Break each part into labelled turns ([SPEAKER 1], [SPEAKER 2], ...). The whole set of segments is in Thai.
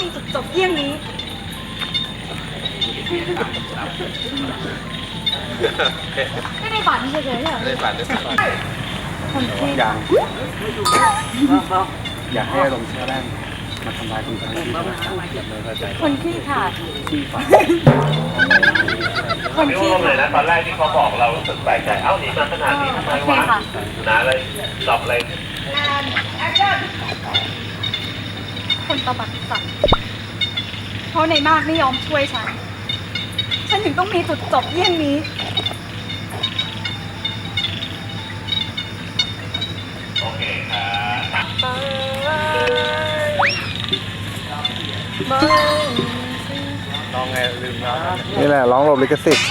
[SPEAKER 1] จุดจบเยี่ยงนี้ไม่ได้ฝันเฉยๆเหรอไม่ได้ฝันคนที่
[SPEAKER 2] อยากให้ลงเชื่อแรงมาทำลายคนทั้งที่
[SPEAKER 1] คนที่ขาด
[SPEAKER 2] ที่ฝัน
[SPEAKER 1] คนที่
[SPEAKER 3] เลยนะตอนแรกที่เขาบอกเรารู้สึกแปลกใจเอ้าหนีมาขนาดนี้ทำไมวะนะอะไรตอบอะไร
[SPEAKER 1] คนตบัดสัตว์เพราะในมากไม่ยอมช่วยฉันถึงต้องมีจุดจบเยี่ยงนี้
[SPEAKER 3] โอเคครับ
[SPEAKER 2] ลองไงลืมแล้ว
[SPEAKER 4] นี่แหละร้องหลบลิขสิทธิ์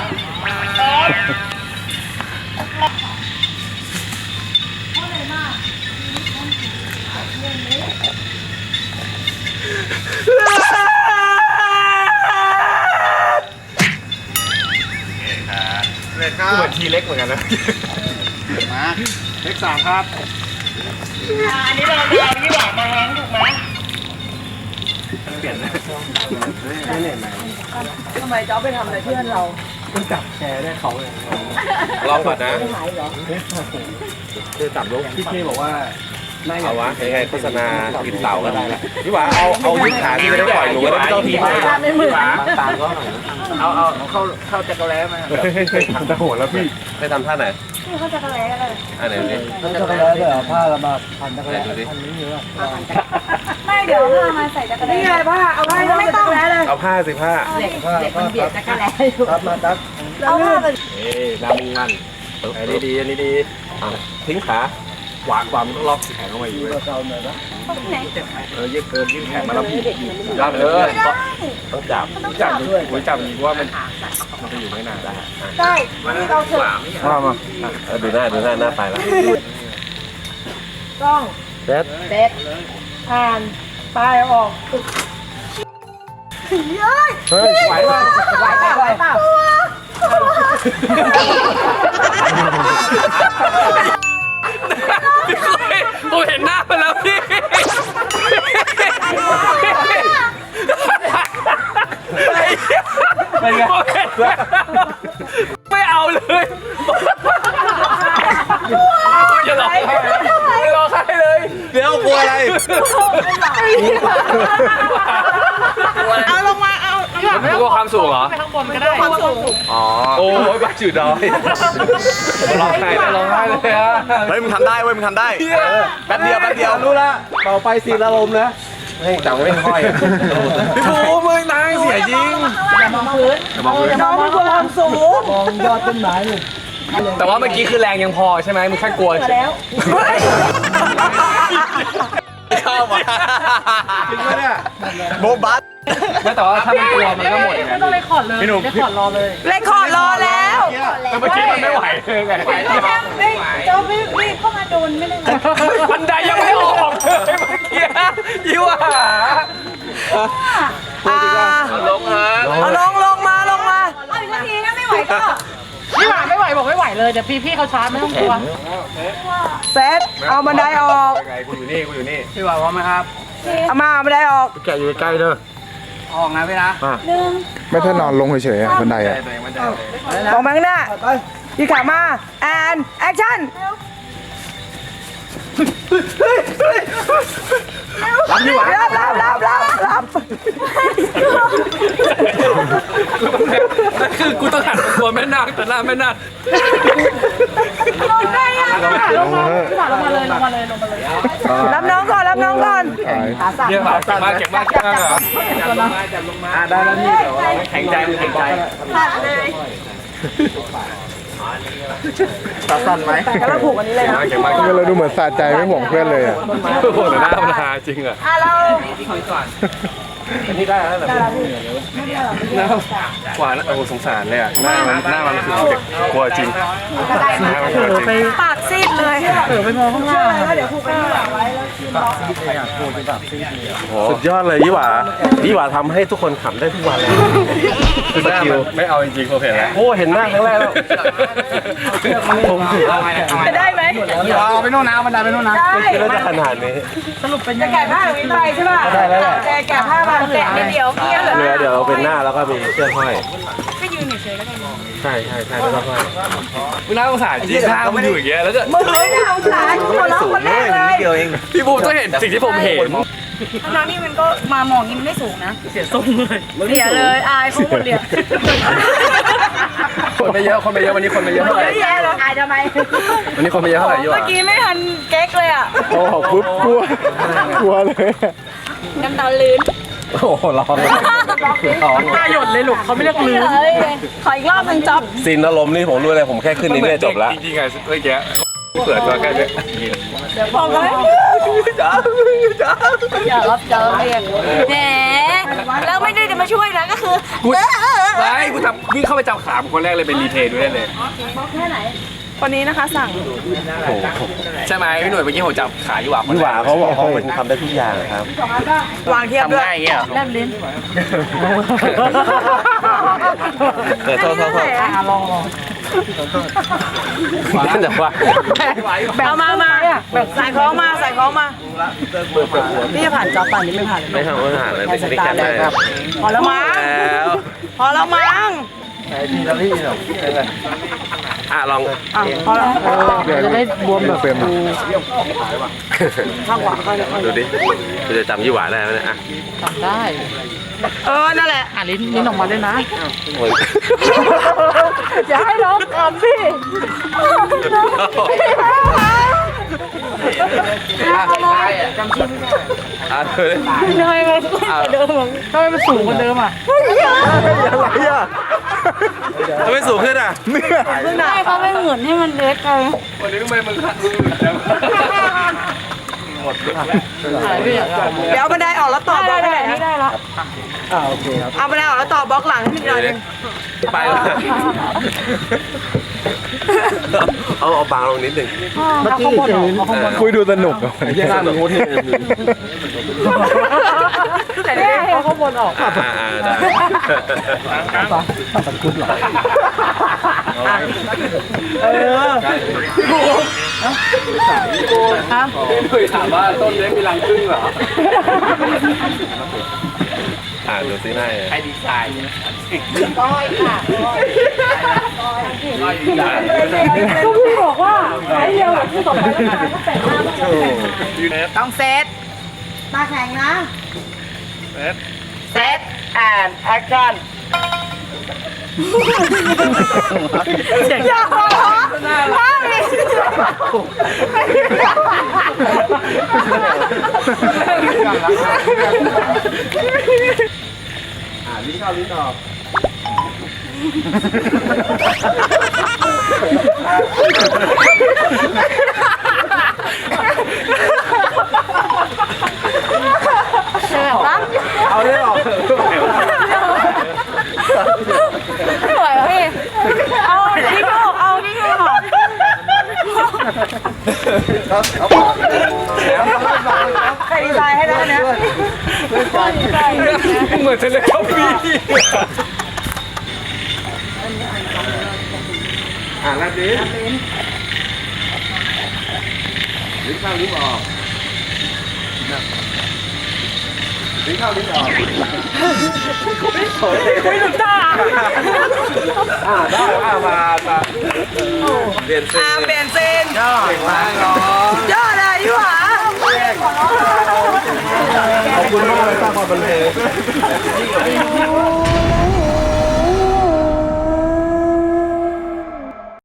[SPEAKER 2] เลยครับเหมือนทีเล็กเหมือนกันนะมาเลข 3ครับ
[SPEAKER 3] อันนี้เรายี่หว่ามาแฮงถูกไหม
[SPEAKER 2] เปลี่ยนนะไม่เหนื่อยไหม
[SPEAKER 5] ทำไมจ๊อบไปทำอะไรเพื่อนเรา
[SPEAKER 2] ต้องจับแชร์ได้เขาเลย
[SPEAKER 3] ลองก่อนนะ
[SPEAKER 2] คือจับลูกพี่เคบอกว่า
[SPEAKER 3] เอาวะยังไงโฆษณากินเต่าก็ได้ละพี่หวาเอายืดขาที่ไม่ได้ปล่อยหนูไม่ต้องทีม
[SPEAKER 5] ไม่เหมือน
[SPEAKER 2] ตามก็เอาเข้าจักรแล้มาจะโหดแล้วพี่
[SPEAKER 3] ไปทำท่าไหน
[SPEAKER 1] พี่เขาจะอะไรกันเลย
[SPEAKER 3] อันไหนนี่
[SPEAKER 2] จักรแล้เลยผ้าละมาพันจักรแล้พันนี้เยอะ
[SPEAKER 1] ไม่เดี๋ยวผ้ามาใส่จักรแล้
[SPEAKER 5] นี่ไงผ้าเอาผ้าไม่ต้องแล้วเลย
[SPEAKER 3] เอาผ้าสิผ้า
[SPEAKER 5] เด็กมันเบียดจักรแล้อยู่
[SPEAKER 2] ครับมาครับ
[SPEAKER 1] เอาผ้าไป
[SPEAKER 3] น้ำมันอันนี้ดีอันนี้ดีทิ้งขาหวานความต้องล็อกแขนเข้ามาอยู่เลยยืดเกินยืดแขนมาแล้วพี่รับเลยต้องจับด้วยจับดีว่ามันจะอยู่ไม่นานได้
[SPEAKER 1] ได้เราเถอะ
[SPEAKER 4] มา
[SPEAKER 3] ดูหน้าไปแล้ว
[SPEAKER 5] ต้อง
[SPEAKER 4] เด็
[SPEAKER 5] ดผ่านปลายออก
[SPEAKER 1] เฮ้ย
[SPEAKER 4] ไหว
[SPEAKER 5] เปล่า
[SPEAKER 3] ผมเห็นหน้าไปแล้วพี่ไม่เอาเลยอย่าหลอกไม่หลอกใครเลยเดี๋ยวกลัวอะไร
[SPEAKER 5] เอาลงมาเอา
[SPEAKER 3] ไม่กลัวความสูงเหรอ
[SPEAKER 5] ไปข้างบนก็ได้ความสูง
[SPEAKER 3] อ๋อโอ้ยบ้าจืดดอยร้องไห้เลยฮะ
[SPEAKER 2] เฮ้ยมึงทำได้เว้ยมึงทำได้แป๊บเดียวรู้ละต่อไปสีละลมนะ
[SPEAKER 3] ให้จังไม่ค่อยพี่ภูมิมึงนายเสียจริง
[SPEAKER 5] อย่ามองพื้นน้องมันกลัวความสูง
[SPEAKER 2] มองยอดต้นไม้เลย
[SPEAKER 3] แต่ว่าเมื่อกี้คือแรงยังพอใช่ไหมมึงแค่กลัว
[SPEAKER 5] แล้ว
[SPEAKER 2] ชอบว่ะจริงไหมเนี่ยโบบัส
[SPEAKER 3] ไม่แต่ว่าถ้ามันกลัวมันก็หมด
[SPEAKER 5] ไม่ต้องเลยขอดเลยเลยขอดรอเลยเลยขอดรอแล้ว
[SPEAKER 3] แต่เมื่อกี้มันไม่ไหวเลยไง
[SPEAKER 1] เจ้ารีบเข้ามาโดนไม่ได้
[SPEAKER 3] บันไดยังไม่ออกเลยเมื่อกี้ยิ่วหาลงฮะ
[SPEAKER 5] เอาลงมา
[SPEAKER 1] เอาอีกทีนะไม่ไหวก็
[SPEAKER 5] ไม่ไหวบอกไม่ไหวเลยเดี๋ยวพี่เขาชาร์จไม่ต้องกลัวเซตเอาบันไดออก
[SPEAKER 3] กูอยู่นี่
[SPEAKER 2] พี่ว่าพร้อมไหมครับ
[SPEAKER 5] เอามาบันไดออก
[SPEAKER 4] แกอยู่ใกล้เด้อ
[SPEAKER 2] ออกนะพี่นะ
[SPEAKER 4] ไม่ถ้านอนลงเฉยๆบันไดอ่ะ
[SPEAKER 5] ออกมาข้างหน้าพี่ขามาแอนแอคชั่น
[SPEAKER 2] รับดีกว่า
[SPEAKER 5] รับ
[SPEAKER 3] คือกูต้องหันตัวแม่นาคแต่หน้าแม่นาค
[SPEAKER 5] ลงได้ยังลงมาเลยรับน้องก่อน
[SPEAKER 4] ขาสั่น
[SPEAKER 3] เก็บมาเหรอจับลงมา
[SPEAKER 2] ได้แล้วนี่
[SPEAKER 3] แข็งใจ
[SPEAKER 1] ขาดเลย
[SPEAKER 2] สั่นไหม
[SPEAKER 5] แต่เราผูกอันนี้เลยนะ
[SPEAKER 4] เราดูเหมือนสะใจไม่ห่วงเพื่อนเลยอ่ะ
[SPEAKER 3] ห่วงแต่หน้ามันหาจริงอ่ะ
[SPEAKER 5] เรา
[SPEAKER 3] อันนี้ได้แล้วกว่าโอ้สงสารเลยอ่ะหน้ามันคือกลัวจริง
[SPEAKER 1] ปากซีดเลย
[SPEAKER 5] ไปมองข้างล่าง
[SPEAKER 1] เดี๋ยวผูกไปข้างหลังไว้แล้วคืนบล็อก
[SPEAKER 3] สุดยอดเลยยี่หว่าทำให้ทุกคนขำได้ทุกวันเลยคือสกิลไม่เอาจริงๆโอเคแล้วโอ้เห็นหน้าครั้งแรกแล้ว
[SPEAKER 5] จะได้ไหม
[SPEAKER 2] เอาไปโน่นนะบันไดไปโน่นนะ
[SPEAKER 3] ไม่คิดว่าจะขนาดนี้
[SPEAKER 5] สรุปเป็นจะแกะผ้าหรือวินไปใช่ป่ะ
[SPEAKER 3] ได้แล้วแหละ
[SPEAKER 5] แกะผ้ามาแกะนิดเดียวเกี้ยเหรอ
[SPEAKER 3] เรือเดี๋ยวเป็นหน้าแล้วก็มีเชือกห้อย
[SPEAKER 1] ก็ยืนเฉยๆแล้วกัน
[SPEAKER 3] ใช่แล้วก็ห้อย
[SPEAKER 2] มึงน่าสงสารจริงถ้ามึงอยู่อย่างเงี้ยแล้วจะ
[SPEAKER 5] มึงไม่ได้เอาสารหัวเราะคนแรกเลย
[SPEAKER 2] เดียวเองพี่บูมต้องเห็นสิ่งที่ผมเห็น
[SPEAKER 1] ทั้งๆนี่มันก็มามองนี้มันไม่สูงนะ
[SPEAKER 5] เสียเลยอายเขาหมดเลย
[SPEAKER 2] คนไม่เยอะวันนี้คนไม่เยอะเท่าไหร่
[SPEAKER 5] ไม่แย่หรอกอายทำไม
[SPEAKER 2] วันนี้คนไม่เยอะเท่าไหร่อยู่
[SPEAKER 1] เมื่อกี้ไม่ทันเก๊กเลยอ่ะ
[SPEAKER 4] โอ้ปุ๊บกลัวเลย
[SPEAKER 1] น้ำตาลื้น
[SPEAKER 3] โอ้โหร้องร้อง
[SPEAKER 5] ตาหยดเลยลูกเขาไม่เรียกลืมขออีกรอบหนึ่งจ๊อบ
[SPEAKER 3] ซีนอารมณ์นี่ผมรู้เลยผมแค่ขึ้นนี่เนี่ยจบแล้ว
[SPEAKER 2] จริงๆไงเมื่อกี้เปิดตัวแค่นี้
[SPEAKER 5] พอไหม
[SPEAKER 2] จ้า
[SPEAKER 5] อย่ารับเจอเองแหมแล้วไม่ได้จะมาช่วยนะก็คือ
[SPEAKER 2] ไม่กูทำวิ่งเข้าไปจับขาคนแรกเลยเป็นรีเพย์ดูได้เลย
[SPEAKER 5] คนนี้นะคะสั่ง
[SPEAKER 2] ใช่ไหมพี่หน่วยเมื่อกี้ผมจับขาอยู่หว่า
[SPEAKER 3] พี่หวาเขาบอกเขาเป็นทำได้ทุกอย่างครับ
[SPEAKER 5] วางเทียบด้วย
[SPEAKER 2] ทำง่ายอย่างเงี้ย
[SPEAKER 5] แลบลิ้น
[SPEAKER 3] โทษนั่นแต่ว่า
[SPEAKER 5] เอามาใส่ของมาพี่จะผ่านจ๊อบป่านนี้ไม่ผ่านเลย
[SPEAKER 3] ไม่ทำอาหารเลยไม่ใช่แค่ได้
[SPEAKER 5] พอแล้วมั้ง
[SPEAKER 3] แล้ว
[SPEAKER 5] พอแล้วมั้ง
[SPEAKER 3] ลอง
[SPEAKER 5] พอแล้ว
[SPEAKER 4] จะได้บวมแบบเต็ม
[SPEAKER 3] ดูดิกูจะจำยี่หวาได้ไหมเนี่ย
[SPEAKER 5] นั่นแหละ
[SPEAKER 3] โอ้ย
[SPEAKER 5] อย่าให้ร้องก่อนสิ
[SPEAKER 3] เธอ
[SPEAKER 5] ทำไมมันสูงกว่าเดิมทำไมมันสูงกว่าเดิมอ่ะ
[SPEAKER 4] อะไรอ่ะ
[SPEAKER 3] ทำไมสูงขึ้นอ่ะ
[SPEAKER 5] ใช่เขาไม่เหมือนให้มันเล็กไง
[SPEAKER 2] วันนี้ทำไมมึงขัด
[SPEAKER 5] เดี๋ยวบันไดออกแล้วต่อบล็อกได้ไม่ได้แล้วโอเคครับเอาบันไดออกแล้วต่อบล็อกหลังให้นิดหน่อยนึง
[SPEAKER 3] ไปแล้วเอาบางลงนิดหนึ่ง
[SPEAKER 4] คุยดูสนุกอ่ะ
[SPEAKER 3] ยังน่าหนูโคตรเท่
[SPEAKER 5] แต่เนี่ยเขาข้างบนออก
[SPEAKER 3] ได้
[SPEAKER 2] เคยถามว่าต้นเล็กมีรังพึ่งเหรอ
[SPEAKER 3] ดูซิหน้า
[SPEAKER 2] ใครดีไซน์
[SPEAKER 5] ก็พี่บอกว่าไอ้เดียวที่ต่อไปก็แต่งหน้าต้องเซตมาแข่งนะเซตแอนแอคชั่นอย่าหัวเราะห้ามเลย
[SPEAKER 3] ลิ้นเข้าลิ้นออก เอาได้หรอ
[SPEAKER 5] ไม่ไหวแล้วพี่เอาที่ดูเอาที่ดูหน่อยใครดีไซน์ให้ได้เนี่ย
[SPEAKER 2] เหมือนเทเลคอมพีแล้วดิลิ้นเข้าลิ้นออกลิ้นเข้าลิ้นออก
[SPEAKER 5] ไม่ถูกท่า
[SPEAKER 3] ได้มาเปลี่ยนเส้น
[SPEAKER 5] เปลี่ยนเส้น
[SPEAKER 3] เก่งมากน้อง
[SPEAKER 5] ยอดเลยพี่หวา
[SPEAKER 3] ขอบคุณมากเลยสร้างความบันเทิง